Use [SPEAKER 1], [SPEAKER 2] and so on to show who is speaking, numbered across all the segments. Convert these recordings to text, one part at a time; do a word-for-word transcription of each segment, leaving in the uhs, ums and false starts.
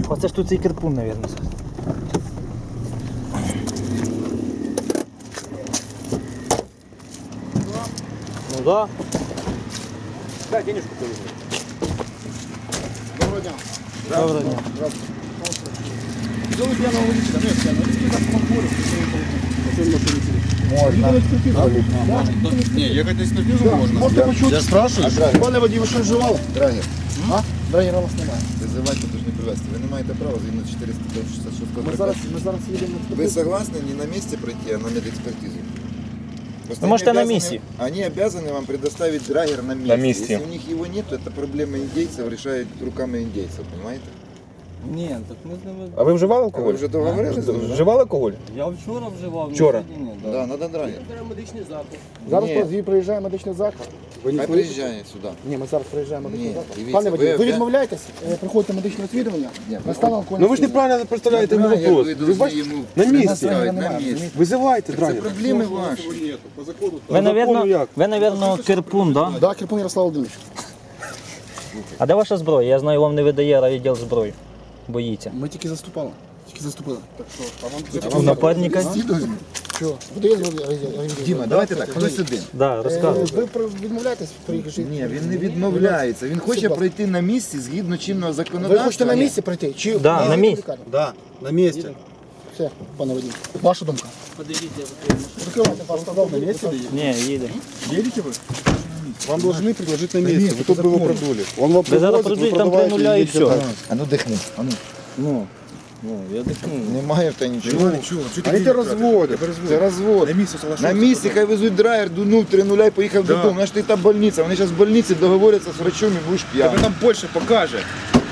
[SPEAKER 1] Оце ж тут цей кирпун, мабуть. Ну да.
[SPEAKER 2] Дай денежку повезу.
[SPEAKER 3] Доброго дня.
[SPEAKER 1] Доброго дня.
[SPEAKER 3] Взяли пьяного водителя, нет, пьяного водителя, так помогли.
[SPEAKER 2] Можно. Не, ехать на экспертизу можно.
[SPEAKER 3] Можете почути?
[SPEAKER 2] Я спрашиваю.
[SPEAKER 3] Пане водій, ви що вживали?
[SPEAKER 4] Драгер,
[SPEAKER 3] А? Драгера у вас немає.
[SPEAKER 4] визивайте, тож не привезти. Ви не маєте права згідно чотириста шістдесят шість
[SPEAKER 3] Ми зараз, ми зараз їдемо на
[SPEAKER 4] Ви
[SPEAKER 3] експертизу.
[SPEAKER 4] согласны не на месте пройти, а на медэкспертизу? Просто
[SPEAKER 1] Ну, может,
[SPEAKER 4] они
[SPEAKER 1] и на
[SPEAKER 4] обязаны-
[SPEAKER 1] месте.
[SPEAKER 4] Они обязаны вам предоставить драгер на месте.
[SPEAKER 5] На месте.
[SPEAKER 4] Если у них его нет, то это проблема индейцев решает руками индейцев, понимаете?
[SPEAKER 6] Ні, так ми з ними.
[SPEAKER 5] А ви вживали
[SPEAKER 4] А
[SPEAKER 5] алкоголь?
[SPEAKER 4] ви вже договорились?
[SPEAKER 5] Вживали алкоголь?
[SPEAKER 6] Я вчора вживав,
[SPEAKER 5] Вчора?
[SPEAKER 6] ну, сьогодні ні.
[SPEAKER 4] Да, надо драгер.
[SPEAKER 6] Медичний заклад.
[SPEAKER 3] Зараз
[SPEAKER 4] Ні.
[SPEAKER 3] тоді приїжджає медичний заклад. Ви
[SPEAKER 4] Хай
[SPEAKER 3] не
[SPEAKER 4] приїжджає сюди.
[SPEAKER 3] Ні, ми зараз приїжджаємо медичний
[SPEAKER 4] Ні,
[SPEAKER 3] заклад.
[SPEAKER 4] дивіться,
[SPEAKER 3] Пане водій,
[SPEAKER 4] ви-
[SPEAKER 3] ви
[SPEAKER 4] ви-
[SPEAKER 3] відмовляєтесь, е, проходите медичне освідування,
[SPEAKER 4] Ні,
[SPEAKER 3] на стан алкогольного
[SPEAKER 5] Ну ви ж
[SPEAKER 3] сп'яніння.
[SPEAKER 5] неправильно представляєте мій
[SPEAKER 4] Драгер
[SPEAKER 5] вопрос.
[SPEAKER 4] ви
[SPEAKER 5] Ви
[SPEAKER 4] должны
[SPEAKER 5] бачите,
[SPEAKER 4] йому
[SPEAKER 5] на місці.
[SPEAKER 4] предоставити, на
[SPEAKER 3] Немає,
[SPEAKER 4] місці.
[SPEAKER 5] Визивайте
[SPEAKER 4] Це
[SPEAKER 5] драгер.
[SPEAKER 4] проблеми ваші.
[SPEAKER 1] Ви,
[SPEAKER 5] закону
[SPEAKER 1] навірно,
[SPEAKER 5] як?
[SPEAKER 1] ви, навірно, кирпун, да?
[SPEAKER 3] Да, Кирпун Ярослав Володимирович.
[SPEAKER 1] А де ваша зброя? Я знаю, вам не видає райвідділ зброї. Боїться.
[SPEAKER 3] Ми тільки заступали. Тільки заступили.
[SPEAKER 1] У нападника?
[SPEAKER 3] Що? Видає з
[SPEAKER 4] Діма, давайте так, хтось один.
[SPEAKER 1] Да, розказуй.
[SPEAKER 3] Ви про- відмовляєтесь приїхати?
[SPEAKER 4] Ні, він не відмовляється. Він хоче пройти на місці згідно чинного
[SPEAKER 3] Ви
[SPEAKER 4] законодавства.
[SPEAKER 3] хочете на місці пройти? Чи
[SPEAKER 1] Да,
[SPEAKER 3] Ні,
[SPEAKER 1] на
[SPEAKER 3] ви
[SPEAKER 1] місці.
[SPEAKER 3] в лікарню?
[SPEAKER 2] Да, на месте.
[SPEAKER 3] Все, пане водій. Ваша думка?
[SPEAKER 6] Подивіться, я закрию.
[SPEAKER 3] Закривайте, пожалуйста, на місці.
[SPEAKER 1] Ні, їде.
[SPEAKER 2] Едете вы? Вам должны предложить на месте. Вы тут бы его продули. Он вам
[SPEAKER 1] Ви зараз
[SPEAKER 2] привозит, вы
[SPEAKER 1] продують, там три
[SPEAKER 2] продаваете
[SPEAKER 1] нуля і
[SPEAKER 2] едете
[SPEAKER 1] все.
[SPEAKER 2] дальше.
[SPEAKER 4] А ну дихни. А ну.
[SPEAKER 2] Ну, ну, я дыхну.
[SPEAKER 4] Немає в тебе нічого.
[SPEAKER 2] Они тебя разводят.
[SPEAKER 4] Це розвод.
[SPEAKER 2] На месте
[SPEAKER 4] На місці хай везуть драйвер, дунув три нуля і поїхав
[SPEAKER 2] Да.
[SPEAKER 4] додому. Знаєш, ти та больниця. Вони зараз в больниці договоряться з врачом і будеш
[SPEAKER 2] Тебе
[SPEAKER 4] п'яний.
[SPEAKER 2] там больше покажет.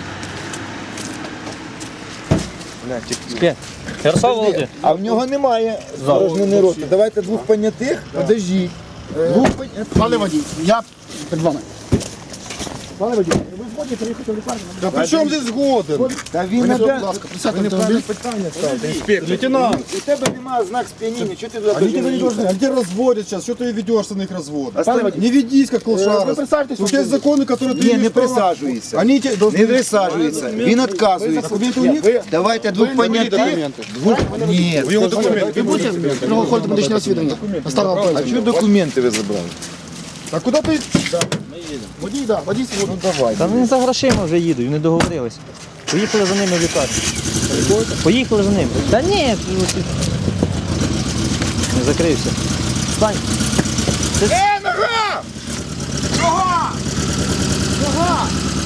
[SPEAKER 1] Спє. Ярослав Володимирович.
[SPEAKER 4] А в нього немає порожнини роти. Давайте двох понятих, подождіть. Двох понятих.
[SPEAKER 3] Пане водій, я перед вами. Пане водій, ви згодні приїхати в лікарню?
[SPEAKER 2] Да при чем здесь годен?
[SPEAKER 4] Та він
[SPEAKER 3] Ви,
[SPEAKER 4] не
[SPEAKER 3] будь ласка, присядьте в автомобіль.
[SPEAKER 4] питання ставите.
[SPEAKER 2] Инспектор. Лейтенант.
[SPEAKER 4] У тебе немає знак сп'яніння, чого ти туди
[SPEAKER 2] Они тебя не
[SPEAKER 4] їхати?
[SPEAKER 2] должны. Они тебя разводят сейчас. Что ты ведешься на их развод?
[SPEAKER 3] Пане водій,
[SPEAKER 2] Не ведись как
[SPEAKER 3] е, ви
[SPEAKER 2] лошара.
[SPEAKER 3] присаджуйтесь в
[SPEAKER 2] У тебя есть
[SPEAKER 3] автомобіль.
[SPEAKER 2] законы, которые ты
[SPEAKER 4] Ні, не
[SPEAKER 2] имеешь право.
[SPEAKER 4] присаджується.
[SPEAKER 2] Они тебе должны...
[SPEAKER 4] Не присаджується. Він відказується.
[SPEAKER 2] Документы у
[SPEAKER 3] Ні,
[SPEAKER 2] них?
[SPEAKER 3] ви,
[SPEAKER 4] Давайте двох понятих.
[SPEAKER 2] документы.
[SPEAKER 4] Двох... Ні.
[SPEAKER 2] У него документы.
[SPEAKER 3] ви будете проходити медичне освідування? На стан
[SPEAKER 4] А
[SPEAKER 3] алкогольного
[SPEAKER 4] чого документи ви забрали?
[SPEAKER 2] А куда ты?
[SPEAKER 3] Водій, да, водій свободний.
[SPEAKER 4] Ну давай.
[SPEAKER 1] Та вони за грошима вже їдуть, вони договорились. Поїхали за ними в лікарню. Поїхали за ними. Та ні, ти ось тут. Не закрився. Встань.
[SPEAKER 4] Е, нога! Нога! Нога!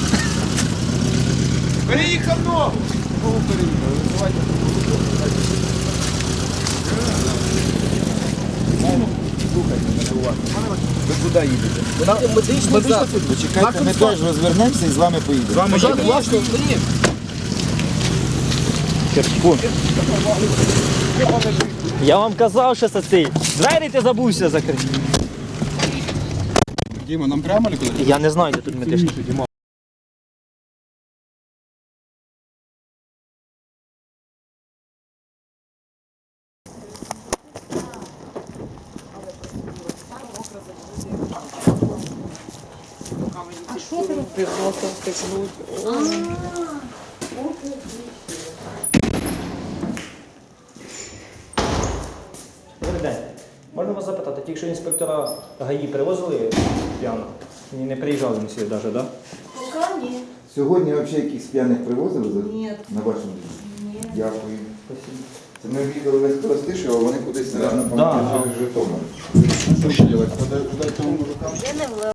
[SPEAKER 4] Переїхав ногу! Ногу переїхав. Визивайте. Слухайте мене уважно. Ви куди їдете?
[SPEAKER 3] Медичний заклад.
[SPEAKER 4] Почекайте, ми теж розвернемося і з вами поїдемо.
[SPEAKER 2] Вам уже
[SPEAKER 3] Власне,
[SPEAKER 1] Кирпун. Я вам казав, що це цей. Двері ти забувся закрити.
[SPEAKER 2] Дима, нам прямо или куда?
[SPEAKER 1] Я не знаю, де тут медичний. Добрий день. Можна вас запитати, тільки що інспектора ГАІ привозили п'яно? Ні, не приїжджали на сюди навіть, так?
[SPEAKER 7] Пока нет.
[SPEAKER 4] Сьогодні взагалі якісь п'яних привозили за-
[SPEAKER 7] Ні.
[SPEAKER 4] на вашому дні?
[SPEAKER 7] Нет.
[SPEAKER 4] Дякую. Це ми в'їхали весь Коростишево, а вони кудись на
[SPEAKER 1] Да.
[SPEAKER 4] пам'ятаю Житомир.
[SPEAKER 2] Что делать? Надо ждать того мужика?
[SPEAKER 7] Я не влезу.